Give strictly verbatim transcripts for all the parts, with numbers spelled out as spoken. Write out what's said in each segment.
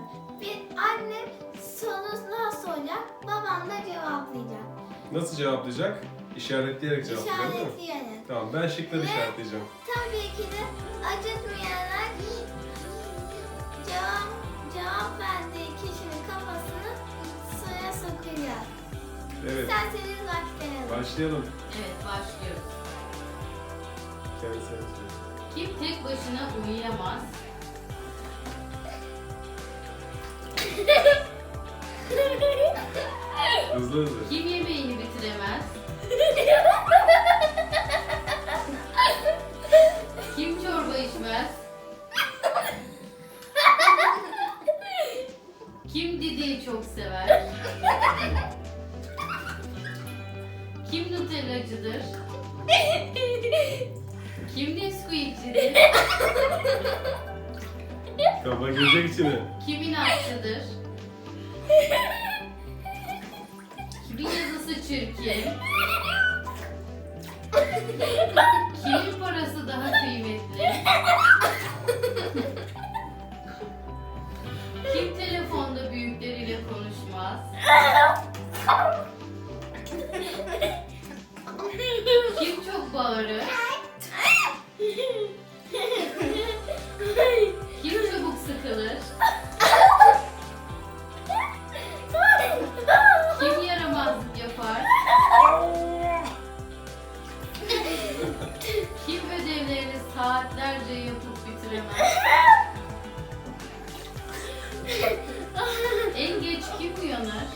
Bir annem sorular soracak, babam da cevaplayacak. Nasıl cevaplayacak? İşaretleyerek cevaplayacak değil mi? İşaretleyerek. Tamam, ben şıkları Ve- işaretleyeceğim. Tabii ki de acıtmayarak cevap, cevap verdiği kişinin kafasını suya sokacak. Evet, İsterseniz başlayalım. başlayalım. Evet, başlıyoruz. Kendisi yazıyor. Kim tek başına uyuyamaz? Hızlı hızlı. Kim yemeğini bitiremez? Kim çorba içmez? Kim didiği çok sever? Kim Nutellacıdır? Kim Nesquik'cidir? Kafa girecek içine. Kim inatçıdır? Kimin yazısı çirkin? Kimin parası daha kıymetli? Kim telefonda büyükleriyle konuşmaz? Kim çok bağırır? Kim çabuk sıkılır? Kim yaramazlık yapar? Kim ödevlerini saatlerce yapıp bitiremez? En geç kim uyanır?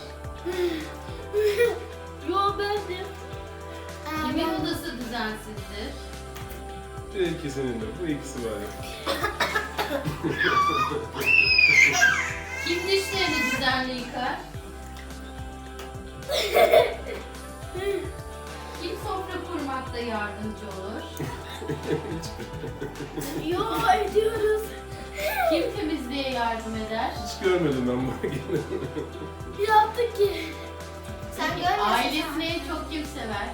Yo bendim. Kimin odası düzensizdir? Bir ikisinin de, bu ikisi var ya. Kim dişlerini düzenli yıkar? Kim sofra kurmakta yardımcı olur? Yo ediyoruz. Kim temizliğe yardım eder? Hiç görmedim ben bunu. Yaptık ki. Sen görmüyorsun. Ailesini en çok kim sever?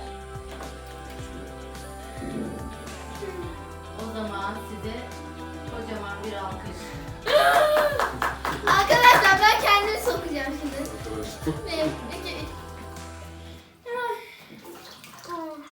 O zaman size kocaman bir alkış.